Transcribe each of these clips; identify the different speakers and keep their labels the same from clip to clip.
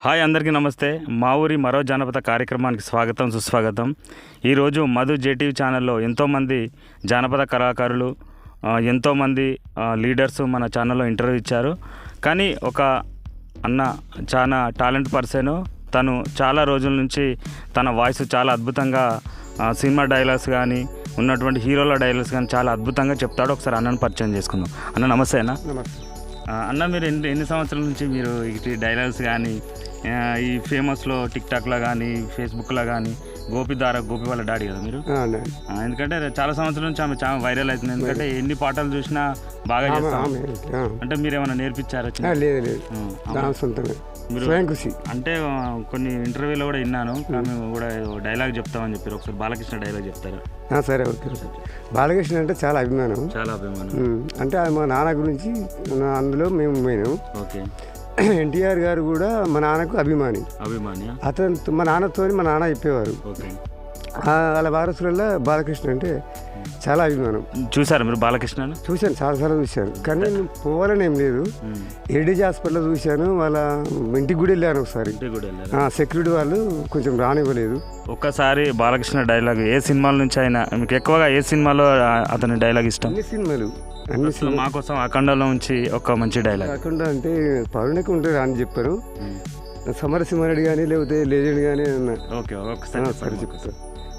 Speaker 1: Hi అందరికీ నమస్తే. మా ఊరి మరో జానపద కార్యక్రమానికి స్వాగతం సుస్వాగతం. ఈరోజు మధు జేటీవీ ఛానల్లో ఎంతోమంది జానపద కళాకారులు ఎంతోమంది లీడర్స్ మన ఛానల్లో ఇంటర్వ్యూ ఇచ్చారు. కానీ ఒక అన్న చాలా టాలెంట్ పర్సన్, తను చాలా రోజుల నుంచి తన వాయిస్ చాలా అద్భుతంగా సినిమా డైలాగ్స్ కానీ ఉన్నటువంటి హీరోల డైలాగ్స్ కానీ చాలా అద్భుతంగా చెప్తాడు. ఒకసారి అన్నను పరిచయం చేసుకుందాం. అన్న నమస్తే. అన్న మీరు ఎన్ని సంవత్సరాల నుంచి మీరు ఈ డైలాగ్స్ కానీ ఈ ఫేమస్లో టిక్టాక్లో కానీ ఫేస్బుక్లో కానీ గోపి వాళ్ళ డాడీ కదా మీరు? ఎందుకంటే చాలా సంవత్సరాల నుంచి ఆమె చాలా వైరల్ అవుతుంది. ఎందుకంటే ఎన్ని పాటలు చూసినా బాగా చేస్తాం. అంటే మీరు ఏమైనా నేర్పించారా? అంటే కొన్ని ఇంటర్వ్యూలో కూడా విన్నాను, మేము కూడా డైలాగ్ చెప్తామని చెప్పారు. ఒకసారి బాలకృష్ణ డైలాగ్ చెప్తారా?
Speaker 2: సరే, ఓకే. బాలకృష్ణ అంటే చాలా అభిమానం. అంటే మా నాన్న గురించి అందులో మేము పోయినాం.
Speaker 1: ఓకే.
Speaker 2: ఎన్టీఆర్ గారు కూడా మా నాన్నకు అభిమాని. అతను మా నాన్నతో మా నాన్న చెప్పేవారు. వాళ్ళ వారసులలో బాలకృష్ణ అంటే చాలా అభిమానం.
Speaker 1: చూసారు మీరు బాలకృష్ణ?
Speaker 2: చూశాను, చాలాసార్లు చూశాను. కానీ నేను పోవాలని ఏం లేదు. ఏడీజీ హాస్పిటల్లో చూశాను. వాళ్ళ ఇంటికి కూడా వెళ్ళాను ఒకసారి. సెక్యూరిటీ వాళ్ళు కొంచెం రానివ్వలేదు.
Speaker 1: ఒక్కసారి బాలకృష్ణ డైలాగ్ ఏ సినిమాల నుంచి అయినా మీకు ఎక్కువగా ఏ సినిమాలో అతని డైలాగ్ ఇష్టం?
Speaker 2: అన్ని సినిమాలు
Speaker 1: మా కోసం అఖండలో నుంచి ఒక మంచి డైలాగ్.
Speaker 2: అఖండ అంటే పౌరుణకి ఉంటుంది అని చెప్పారు. సమరసింహారెడ్డి కానీ లేకపోతే లేజెండ్ కానీ ఒకసారి చెప్తారు.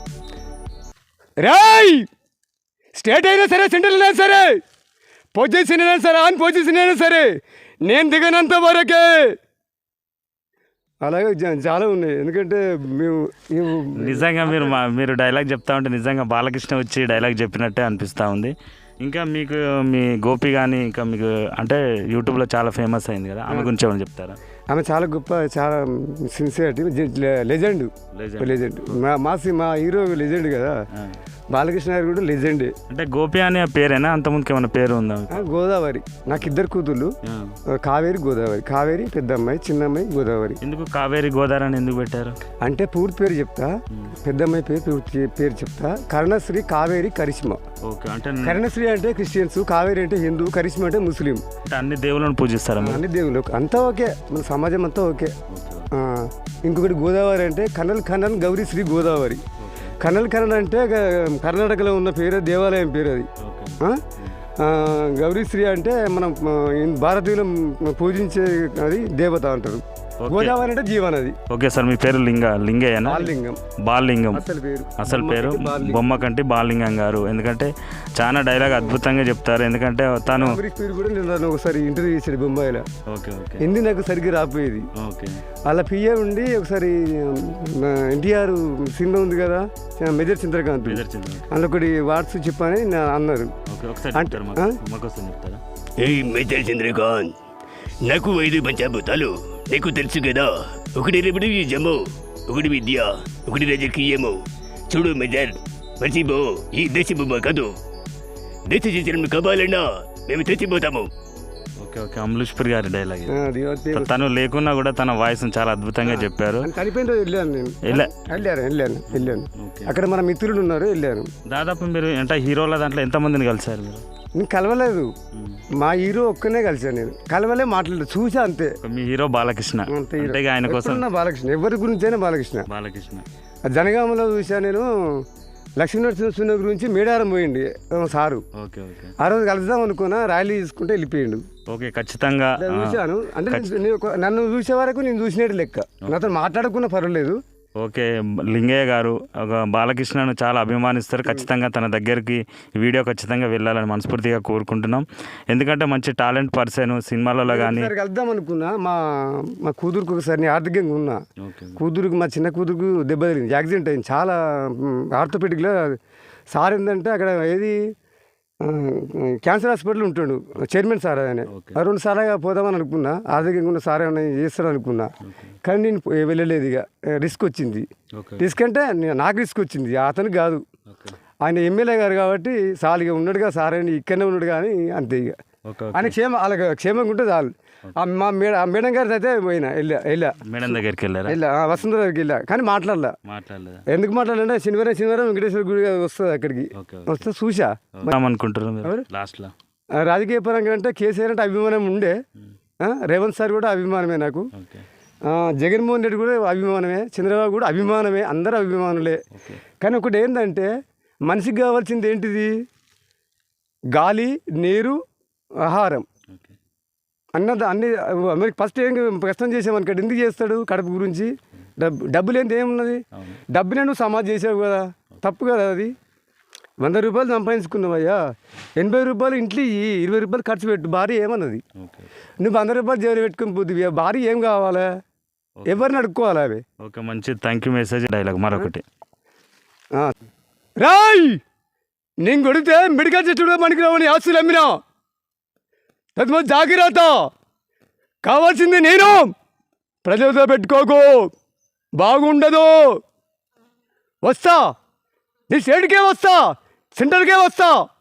Speaker 2: రాయ్ స్టేట్ అయినా సరే, సెంట్రల్ అయినా సరే, పొజిషన్ అయినా సరే, ఆన్ పొజిషన్ అయినా సరే, నేను దిగనంత వరకే. అలాగే చాలా ఉన్నాయి. ఎందుకంటే మేము
Speaker 1: నిజంగా మీరు డైలాగ్ చెప్తా ఉంటే నిజంగా బాలకృష్ణ వచ్చి డైలాగ్ చెప్పినట్టే అనిపిస్తూ ఉంది. ఇంకా మీకు మీ గోపి కానీ ఇంకా మీకు అంటే యూట్యూబ్లో చాలా ఫేమస్ అయింది కదా, ఆమె గురించి ఏమైనా చెప్తారా?
Speaker 2: ఆమె చాలా గొప్ప, చాలా సిన్సియారిటీ, లెజెండ్. మా హీరో లెజెండ్ కదా. బాలకృష్ణ గారు కూడా లెజెండే.
Speaker 1: అంటే గోపి అనే పేరేనా? అంతకుముందుకు ఏమైనా పేరు ఉందా?
Speaker 2: గోదావరి. నాకు ఇద్దరు కూతుళ్ళు, కావేరి గోదావరి. కావేరి పెద్ద అమ్మాయి, చిన్న అమ్మాయి గోదావరి.
Speaker 1: ఎందుకు కావేరి గోదావరి అని ఎందుకు పెట్టారు?
Speaker 2: అంటే పూర్తి పేరు చెప్తా, పెద్ద అమ్మాయి పేరు చెప్తా. కరుణశ్రీ కావేరి కరిష్మా.
Speaker 1: అంటే
Speaker 2: కరుణశ్రీ అంటే క్రిస్టియన్స్, కావేరి అంటే హిందూ, కరిష్మా అంటే ముస్లిం.
Speaker 1: అంటే అన్ని దేవుళ్ళను పూజిస్తారు?
Speaker 2: అన్ని దేవుళ్ళు అంతా ఓకే, మన సమాజం అంతా ఓకే. ఇంకొకటి గోదావరి అంటే కన్నల్ గౌరీ శ్రీ గోదావరి. కన్నల్ అంటే కర్ణాటకలో ఉన్న పేరు, దేవాలయం పేరు అది. గౌరీశ్రీ అంటే మనం భారతీయులు పూజించే అది దేవత అంటారు. గోదావరి అంటే జీవనది.
Speaker 1: ఓకే సార్, మీ పేరు లింగయ్యనా? బాలలింగం. అసలు పేరు బొమ్మకంటి బాలలింగం గారు. ఎందుకంటే చాలా డైలాగ్ అద్భుతంగా చెప్తారు. ఎందుకంటే తను
Speaker 2: కూడా ఒకసారి ఇంటర్వ్యూ చేశాడు బొంబాయిలో. హిందీ నాకు సరిగ్గా రాపోయేది. అలా పిఏ ఉండి ఒకసారి ఎన్టీఆర్ సినిమా ఉంది కదా, మేజర్ చంద్రకాంత్, అందులో ఒకటి వాట్స్ చెప్పని అన్నారు.
Speaker 3: మేజర్ చంద్రకాంత్, నాకు 5 పంచాభూతాలు నీకు తెలుసు కదా. ఒకటి రేపటి జమ్మో, ఒకటి విద్య, ఒకటి రాజకీయము. చూడు మేజర్, మర్చిపో, ఈ దేశ బొమ్మ కాదు. దేశ చరిత్రను కావాలన్నా మేము తెచ్చిపోతాము.
Speaker 1: ఓకే. అమరీష్పూర్ గారి డైలాగ్. తను లేకున్నా కూడా తన వాయిస్ చాలా అద్భుతంగా చెప్పారు.
Speaker 2: చనిపోయిన వెళ్ళాను. అక్కడ మన మిత్రులు ఉన్నారు, వెళ్ళాను.
Speaker 1: దాదాపు మీరు అంటే హీరోల దాంట్లో ఎంతమందిని కలిసారు మీరు?
Speaker 2: నేను కలవలేదు. మా హీరో ఒక్కనే కలిసాను. నేను కలవలే, మాట్లాడలేదు, చూసా అంతే.
Speaker 1: మీ హీరో బాలకృష్ణ. ఆయన కోసం
Speaker 2: బాలకృష్ణ, ఎవరి గురించి అయినా బాలకృష్ణ. జనగామలో చూసా నేను. లక్ష్మీనరసింహ గురించి మేడారం పోయింది సారు. ఆ రోజు కలుద్దాం అనుకున్నా, ర్యాలీ తీసుకుంటే వెళ్ళిపోయిండు.
Speaker 1: ఓకే, ఖచ్చితంగా
Speaker 2: చూశాను. అంటే నన్ను చూసే వరకు నేను చూసినట్టు లెక్క. నాతో మాట్లాడుకున్నా పర్వాలేదు.
Speaker 1: ఓకే. లింగయ్య గారు ఒక బాలకృష్ణను చాలా అభిమానిస్తారు. ఖచ్చితంగా తన దగ్గరికి వీడియో ఖచ్చితంగా వెళ్ళాలని మనస్ఫూర్తిగా కోరుకుంటున్నాం. ఎందుకంటే మంచి టాలెంట్ పర్సన్. సినిమాలలో కానీ
Speaker 2: వెళ్దాం అనుకున్నా. మా కూతురుకు ఒకసారి ఆర్థికంగా ఉన్నా. కూతురుకు, మా చిన్న కూతురుకు దెబ్బ తగిలింది, యాక్సిడెంట్ అయింది. చాలా ఆర్థోపెడిక్లో సార్ ఏంటంటే అక్కడ ఏది క్యాన్సర్ హాస్పిటల్ ఉంటాడు చైర్మన్ సార్. ఆయన 2 సార్లుగా పోదామని అనుకున్నా. ఆర్థికంగా ఉన్న సార్ ఏమైనా చేస్తాడు అనుకున్నా. కానీ నేను వెళ్ళలేదు. ఇక రిస్క్ వచ్చింది. రిస్క్ అంటే నాకు రిస్క్ వచ్చింది, అతనికి కాదు. ఆయన ఎమ్మెల్యే గారు కాబట్టి సార్గా ఉన్నాడుగా, సార్ అని ఇక్కడనే ఉన్నాడు కానీ అంతే. ఇక ఆయన వాళ్ళకి క్షేమంగా ఉంటే చాలు. మా మేడం గారి అయితే పోయినా,
Speaker 1: మేడం దగ్గరికి
Speaker 2: వసంత దగ్గరికి వెళ్ళా. కానీ మాట్లాడలే. ఎందుకు మాట్లాడాలంటే శనివారం వెంకటేశ్వర గుడి వస్తుంది, అక్కడికి వస్తే చూసా. రాజకీయ పరంగా అంటే కేసీఆర్ అంటే అభిమానం ఉండే. రేవంత్ సార్ కూడా అభిమానమే నాకు. జగన్మోహన్ రెడ్డి కూడా అభిమానమే, చంద్రబాబు కూడా అభిమానమే, అందరూ అభిమానులే. కానీ ఒకటి ఏంటంటే మనిషికి కావాల్సింది ఏంటిది? గాలి, నీరు, ఆహారం అన్ని మరి ఫస్ట్ ఏం కష్టం చేసామనుకోండి, ఎందుకు చేస్తాడు? కడుపు గురించి. డబ్బు లేనిది ఏమున్నది? డబ్బునే నువ్వు సమాధి చేసావు కదా, తప్పు కదా అది. 100 రూపాయలు సంపాదించుకున్నావయ్యా, 80 రూపాయలు ఇంట్లో 20 రూపాయలు ఖర్చు పెట్టు, భార్య ఏమన్నది? నువ్వు 100 రూపాయలు జైలు పెట్టుకుని పోతుంది, భార్య ఏం కావాలా? ఎవరిని అడుక్కోవాలా అవి?
Speaker 1: ఓకే, మంచి థ్యాంక్ యూ మెసేజ్ డైలాగ్. మరొకటి,
Speaker 2: రాయ్ నేను కొడితే మెడికల్ చెట్టు మనకి రావని ఆస్తులు అమ్మినా, తద్మత్ జాగ్రత్త. కావాల్సింది నేను, ప్రజలతో పెట్టుకోకు, బాగుండదు. వస్తా, నీ స్టేట్కే వస్తా, సెంటర్కే వస్తా.